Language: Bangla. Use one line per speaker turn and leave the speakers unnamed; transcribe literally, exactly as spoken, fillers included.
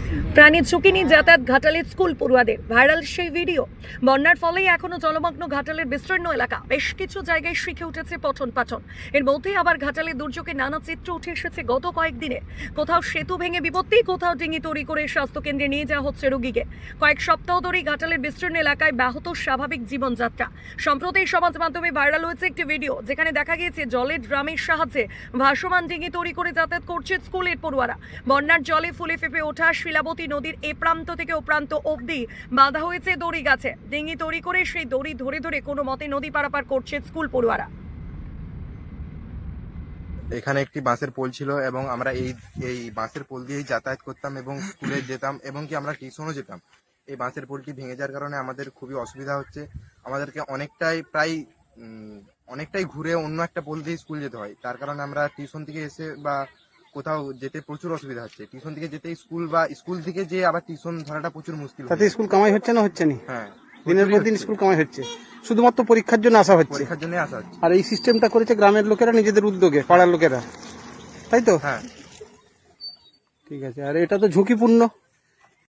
প্রাণী ঝুঁকি নিয়ে যাতায়াত ঘাটালের স্কুল পড়ুয়াদের, ভাইরাল সেই ভিডিও। বন্যার ফলেই এখনো জলমগ্ন ঘাটালের বিস্তীর্ণ এলাকা, বেশ কিছু জায়গায় শিখে উঠেছে পঠন পাঠন। এর মধ্যেই আবার ঘাটালের দুর্যোগে নানা চিত্র উঠে এসেছে গত কয়েকদিনে। কোথাও সেতু ভেঙে বিপত্তি, কোথাও ডিঙি তৈরি করে স্বাস্থ্যকেন্দ্রে নিয়ে যাওয়া হচ্ছে রোগীকে। কয়েক সপ্তাহ ধরেই ঘাটালের বিস্তীর্ণ এলাকায় ব্যাহত স্বাভাবিক জীবনযাত্রা। সম্প্রতি সমাজ মাধ্যমে ভাইরাল হয়েছে একটি ভিডিও, যেখানে দেখা গিয়েছে জলের ড্রামের সাহায্যে ভাসমান ডিঙি তৈরি করে যাতায়াত করছে স্কুলের পড়ুয়ারা। বন্যার জলে ফুলে ফেঁপে ওঠা শিলাবতী নদীর এ প্রান্ত থেকে ও প্রান্ত অবধি বাঁধা হয়েছে দড়ি গাছে। ডিঙি তৈরি করে সেই দড়ি ধরে ধরে কোনো মতে নদী পারাপার করছে স্কুল পড়ুয়ারা।
এখানে একটি বাঁশের পোল ছিল এবং আমরা এই এই বাঁশের পোল দিয়েই যাতায়াত করতাম এবং স্কুলে যেতাম এবং কি আমরা টিউশনও যেতাম। এই বাঁশের পোলটি ভেঙে যাওয়ার কারণে আমাদের খুবই অসুবিধা হচ্ছে। আমাদেরকে অনেকটাই প্রায় অনেকটাই ঘুরে অন্য একটা পোল দিয়ে স্কুল যেতে হয়। তার কারণে আমরা টিউশন থেকে এসে বা কোথাও যেতে প্রচুর অসুবিধা হচ্ছে। টিউশন থেকে যেতে স্কুল বা স্কুল থেকে যে আবার টিউশন ধরাটা প্রচুর মুশকিল।
তাতে স্কুল কামাই হচ্ছে না হচ্ছে না?
হ্যাঁ,
দিনের পর দিন স্কুল কামাই হচ্ছে, শুধুমাত্র পরীক্ষার জন্য আসা হচ্ছে।
পরীক্ষার জন্য আসা হচ্ছে।
আর এই সিস্টেমটা করেছে গ্রামের লোকেরা নিজেদের উদ্যোগে, পাড়ার লোকেরা, তাই তো?
হ্যাঁ,
ঠিক আছে। আর এটা তো ঝুঁকিপূর্ণ।